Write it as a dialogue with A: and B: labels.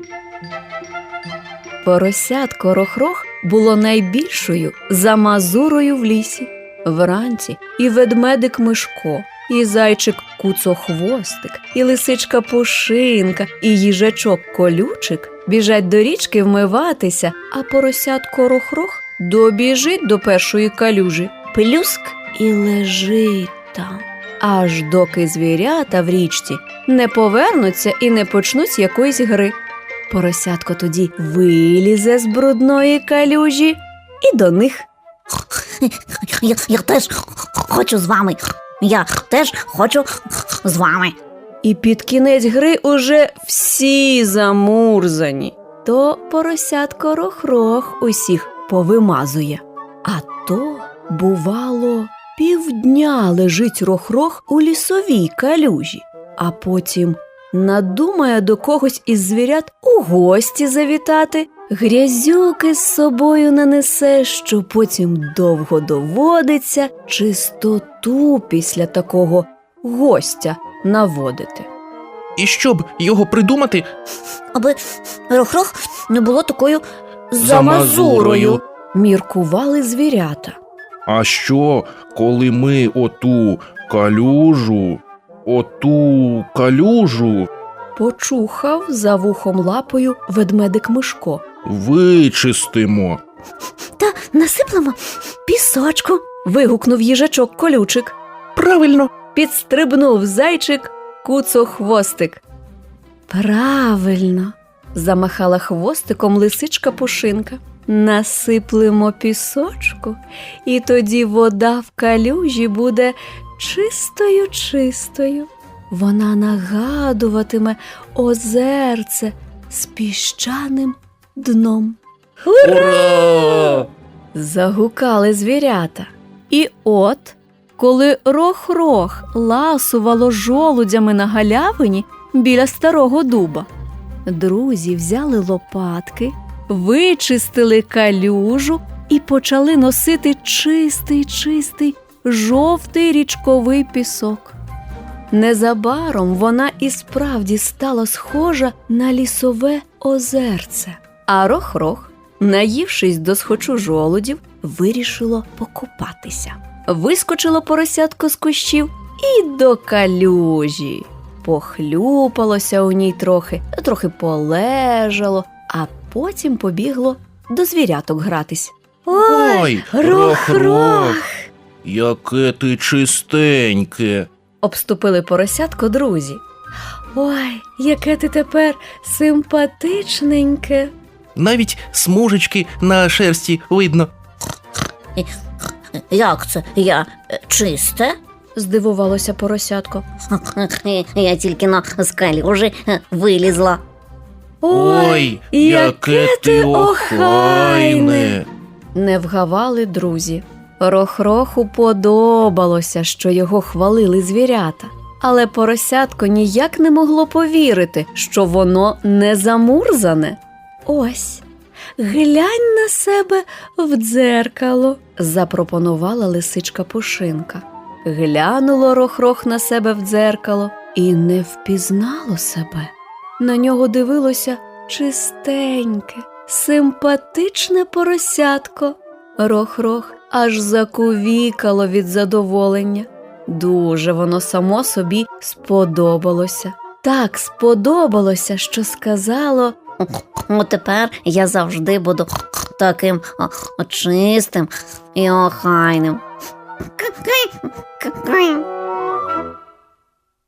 A: Поросятко Рох-Рох було найбільшою за Мазурою в лісі. Вранці і ведмедик Мишко, і зайчик Куцохвостик, і лисичка Пушинка, і їжачок Колючик біжать до річки вмиватися, а поросятко Рох-Рох добіжить до першої калюжі, плюск і лежить там, аж доки звірята в річці не повернуться і не почнуть якоїсь гри. Поросятко тоді вилізе з брудної калюжі і до них.
B: Я теж хочу з вами. Я теж хочу з вами.
A: І під кінець гри уже всі замурзані. То поросятко Рох-Рох усіх повимазує. А то, бувало, півдня лежить Рох-Рох у лісовій калюжі, а потім надумає до когось із звірят у гості завітати, грязюки з собою нанесе, що потім довго доводиться чистоту після такого гостя наводити.
C: І щоб його придумати,
B: Аби Рох-Рох не було такою
C: Замазурою.
A: Міркували звірята.
C: а що, коли ми оту калюжу
A: Почухав за вухом лапою ведмедик Мишко.
C: вичистимо?
B: Та насиплемо пісочку.
A: Вигукнув їжачок Колючик.
C: Правильно.
A: Підстрибнув зайчик Куцохвостик. Правильно, замахала хвостиком лисичка Пушинка. Насиплемо пісочку, і тоді вода в калюжі буде чистою-чистою. Вона нагадуватиме озерце з піщаним дном.
C: Ура!
A: Загукали звірята. І от, коли Рох-Рох ласувало жолудями на галявині біля старого дуба, друзі взяли лопатки, вичистили калюжу і почали носити чистий жовтий річковий пісок. Незабаром вона і справді стала схожа на лісове озерце. А Рох-Рох, наївшись досхочу жолудів, вирішило покупатися. Вискочило поросятко з кущів і до калюжі. Похлюпалося у ній трохи полежало, а потім побігло до звіряток гратись.
C: Ой,
A: Рох-Рох!
C: Яке ти чистеньке!
A: Обступили поросятко друзі. Ой, яке ти тепер симпатичненьке.
C: Навіть смужечки на шерсті видно.
B: Як це? Я чисте?
A: Здивувалося поросятко.
B: Я тільки з калюжі вилізла.
C: Ой, яке ти охайне!
A: Не вгавали друзі. Рох-Роху подобалося, що його хвалили звірята. Але поросятко ніяк не могло повірити, що воно не замурзане. Ось, глянь на себе в дзеркало, запропонувала лисичка Пушинка. Глянуло Рох-Рох на себе в дзеркало і не впізнало себе. На нього дивилося чистеньке, симпатичне поросятко. Рох-Рох аж закувікало від задоволення. Дуже воно само собі сподобалося. Так сподобалося, що сказало:
B: Тепер я завжди буду таким чистим і охайним.